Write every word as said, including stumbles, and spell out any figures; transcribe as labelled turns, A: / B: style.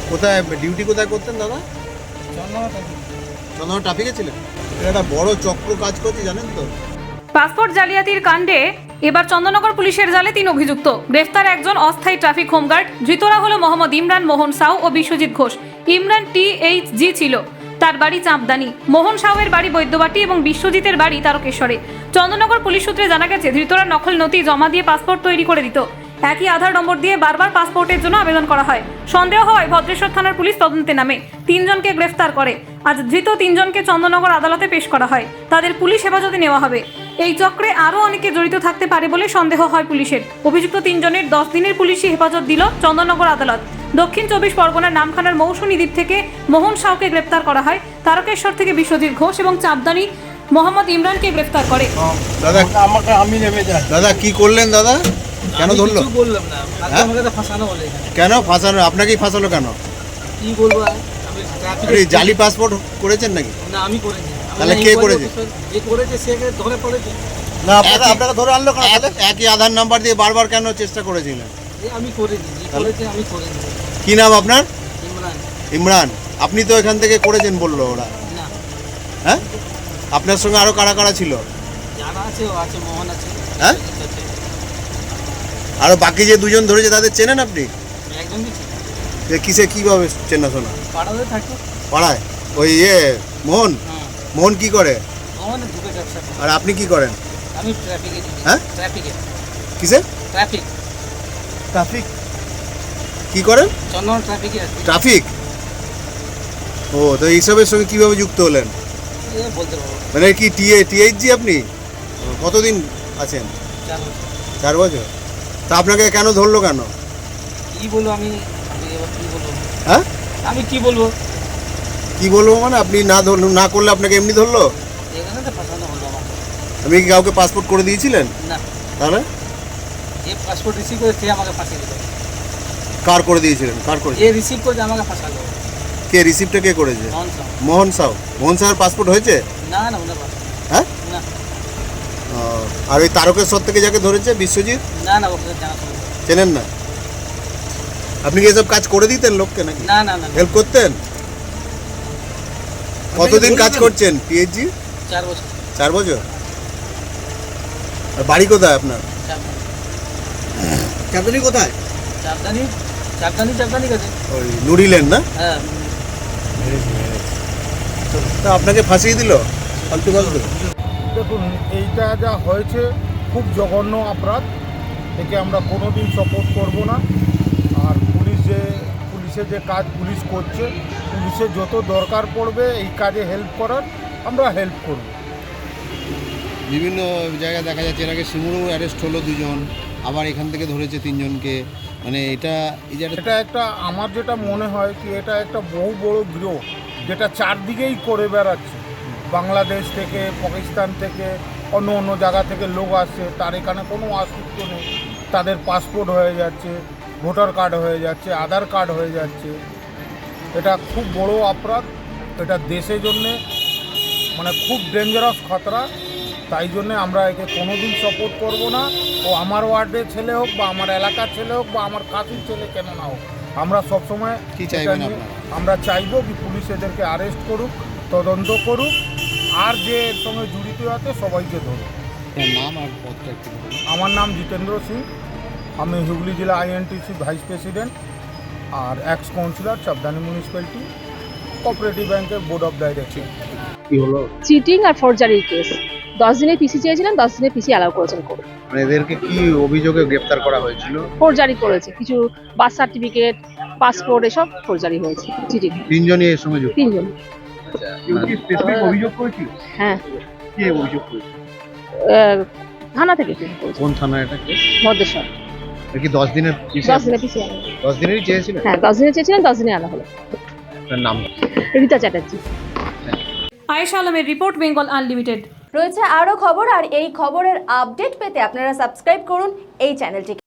A: কোথায় ডিউটি কোথায় করতেন দাদা? চন্দনা ট্রাফিকে ছিলেন। এটা একটা বড় চক্র কাজ করছে জানেন তো।
B: পাসপোর্ট জালিয়াতির কাণ্ডে এবার চন্দননগর পুলিশের জালে তিন অভিযুক্ত। গ্রেফতার একজন অস্থায়ী ট্রাফিক হোমগার্ড। ধৃতরা হলো মোহাম্মদ ইমরান, মোহন সাউ ও Biswajit Ghosh. Imran T H G ছিল, তার বাড়ি চাঁপদানি। মোহন সাউয়ের বাড়ি বৈদ্যবাটি এবং বিশ্বজিতের বাড়ি তারকেশ্বরে। চন্দননগর পুলিশ সূত্রে জানা গেছে, ধৃতরা নকল নথি জমা দিয়ে পাসপোর্ট তৈরি করে দিত। একই আধার নম্বর দিয়ে বারবার পাসপোর্টের জন্য আবেদন করা হয়। সন্দেহ হয় ভদ্রেশ্বর থানার পুলিশ তদন্তে নামে তিনজনকে গ্রেফতার করে। আজ ধৃত তিনজনকে চন্দননগর আদালতে পেশ করা হয়। তাদের পুলিশ হেফাজতে নেওয়া হবে। এই চক্রে আরও অনেকে জড়িত থাকতে পারে বলে সন্দেহ হয় পুলিশের। অভিযুক্ত তিনজনের দশ দিনের পুলিশি হেফাজত দিল চন্দননগর আদালত। দক্ষিণ চব্বিশ পরগনার নামখানার মৌসুমী দ্বীপ থেকে মোহন সাউকে গ্রেপ্তার করা হয়। তারকেশ্বর থেকে বিশ্বজিৎ ঘোষ এবং চাঁপদানি মোহাম্মদ ইমরানকে গ্রেফতার করে।
A: দাদা
C: আমাকে আমি নেমে যাই।
A: দাদা কি করলেন দাদা? কেন ধরলো?
C: কিছু বললাম না, আমাকে তো ফাঁসানো বলে।
A: কেন ফাঁসানো? আপনাকেই ফাঁসালো কেন?
C: কি বলবো, আমি
A: আপনি জালি পাসপোর্ট করেছেন নাকি?
C: না, আমি করিনি।
A: তাহলে কে করেছে?
C: যে করেছে সে ধরে পড়েছে।
A: না, আপনারা আপনাকে ধরে আনলো কেন? একই আধার নাম্বার দিয়ে বারবার কেন চেষ্টা করেছিলেন?
C: আমি করিনি, যে করেছে আমি করিনি।
A: কি নাম আপনার?
C: ইমরান।
A: ইমরান। আপনি তো এখান থেকে করেছেন বললো ওরা।
C: না।
A: হ্যাঁ, আপনার সঙ্গে আরো কারা কারা ছিল?
C: যারা আছে ও আছে, মোহন আছে।
A: হ্যাঁ, আরো বাকি যে দুজন ধরেছে তাদের চেনেন আপনি?
C: একজন কি
A: যে কিসে কিভাবে চেনাশোনা?
C: পাড়াতে থাকে।
A: পাড়ায় ওই ইয়ে মোহন। মোহন কি করে?
C: মোহন দুটো ব্যবসা করে।
A: আর আপনি কি করেন?
C: আমি ট্রাফিকে।
A: হ্যাঁ,
C: ট্রাফিকে।
A: কিসে?
C: ট্রাফিক।
A: ট্রাফিক কি করেন?
C: চন্দন ট্রাফিকে আছে।
A: ট্রাফিক। ও, তো এইসবের সঙ্গে কিভাবে যুক্ত হলেন?
C: এ বলতে পারবো।
A: মানে কি টিএ টিএইচজি আপনি? কতদিন আছেন?
C: চার বছর।
A: চার বছর। তা আপনাকে কেন ধরলো কেন?
C: কি বলবো আমি, আমি এবার কি বলবো?
A: হ্যাঁ,
C: আমি কি বলবো?
A: কি বলবো মানে আপনি না ধরল না করলে আপনাকে এমনি ধরলো?
C: এখানে তো ফাঁসানো হলো আমাকে।
A: আপনি কি কাউকে পাসপোর্ট করে দিয়েছিলেন?
C: না।
A: তাহলে
C: যে পাসপোর্ট রিসিভ করে সে আমাকে ফাঁসিয়ে দিল।
A: কার করে দিয়েছিলেন? কার করে?
C: যে রিসিভ করে আমাকে ফাঁসালো।
A: কে রিসিপ্টটা কে করেছে?
C: মোহন সাউ।
A: মোহন সাউ। মোহন সাউয়ের পাসপোর্ট হয়েছে?
C: না না, ওনার পাসপোর্ট।
A: হ্যাঁ,
C: না
A: ও, আর ওই তারকেশ্বর থেকে যাকে ধরেছে বিশ্বজিৎ,
C: না না, ওকে জানা ছিল না।
A: চেনেন না? আপনি কি এসব কাজ করে দিতেন লোককে নাকি?
C: না না না,
A: হেল্প করতেন? কতদিন কাজ করছেন পিএইচজি?
C: চার বছর।
A: চার বছর। আর বাড়ি কোথায় আপনার?
C: চারদানি।
A: চাঁদনি কোথায়?
C: চারদানি চারদানি চারদানি কাছে।
A: ওই নুরিলেন না?
C: হ্যাঁ।
A: তা আপনাকে ফাঁসিয়ে দিল ফালতু ফালতু?
D: দেখুন, এইটা যা হয়েছে খুব জঘন্য অপরাধ। একে আমরা কোনো দিন সাপোর্ট করবো না। আর পুলিশ যে পুলিশের যে কাজ পুলিশ করছে, পুলিশের যত দরকার পড়বে এই কাজে হেল্প করার, আমরা হেল্প করব।
A: বিভিন্ন জায়গায় দেখা যাচ্ছে এর আগে সিঙ্গুরও অ্যারেস্ট হলো দুজন, আবার এখান থেকে ধরেছে তিনজনকে। মানে এটা এই যে
D: এটা একটা, আমার যেটা মনে হয় কি, এটা একটা বহু বড় গৃহ যেটা চারদিকেই করে বেড়াচ্ছে। বাংলাদেশ থেকে, পাকিস্তান থেকে, অন্য অন্য জায়গা থেকে লোক আসছে, তার এখানে কোনো অস্তিত্ব নেই। তাদের পাসপোর্ট হয়ে যাচ্ছে, ভোটার কার্ড হয়ে যাচ্ছে, আধার কার্ড হয়ে যাচ্ছে। এটা খুব বড় অপরাধ। এটা দেশের জন্যে মানে খুব ডেঞ্জারাস খতরা। তাই জন্যে আমরা একে কোনো দিন সাপোর্ট করব না। ও আমার ওয়ার্ডের ছেলে হোক বা আমার এলাকার ছেলে হোক বা আমার কাছের ছেলে কেন না হোক, আমরা সবসময়
A: কি চাইবেন আপনারা?
D: আমরা চাইবো কি পুলিশ এদেরকে অ্যারেস্ট করুক, তদন্ত করুক, আর যে এর সঙ্গে জড়িত আছে সবাইকে ধরুক।
A: নাম আর পদটা একটু বলুন।
D: আমার নাম জিতেন্দ্র সিং। আমি হুগলি জেলা আইএনটিসি ভাইস প্রেসিডেন্ট আর ex councillor Champdani municipality cooperative ব্যাংকের বোর্ড অফ ডাইরেক্টর।
A: কি হলো?
E: চিটিং আর ফরজারির কেস। দশ দিনের পিসি চেয়েছিলেন, দশ দিনের পিসি অ্যালাউ করেছেন কোর্ট।
A: মানে এদেরকে কি অভিযোগে গ্রেফতার করা হয়েছিল?
E: ফরজারি করেছে, কিছু বার্থ সার্টিফিকেট, পাসপোর্ট এসব ফরজারি হয়েছে। চিটিং।
A: তিনজনই এর সঙ্গে যুক্ত?
E: তিনজন।
A: অভিযোগ করেছিল?
E: হ্যাঁ।
A: কে অভিযোগ করেছিল?
E: আহ, থানা থেকে করেছে।
A: কোন থানা এটা?
E: ভদ্রেশ্বর।
A: এর কি দশ দিনের পিসি?
E: দশ দিনের পিসি অ্যালাউ।
A: দশ দিনেরই চেয়েছিলেন?
E: হ্যাঁ, দশ দিনের চেয়েছিলেন, দশ দিনে অ্যালাউ হলো।
A: তার নাম?
E: রীতা চ্যাটার্জি।
B: আয়েশা আলমের রিপোর্ট, বেঙ্গল আনলিমিটেড।
F: রয়েছে আরও খবর, আর এই খবরের আপডেট পেতে আপনারা সাবস্ক্রাইব করুন এই চ্যানেলটিকে।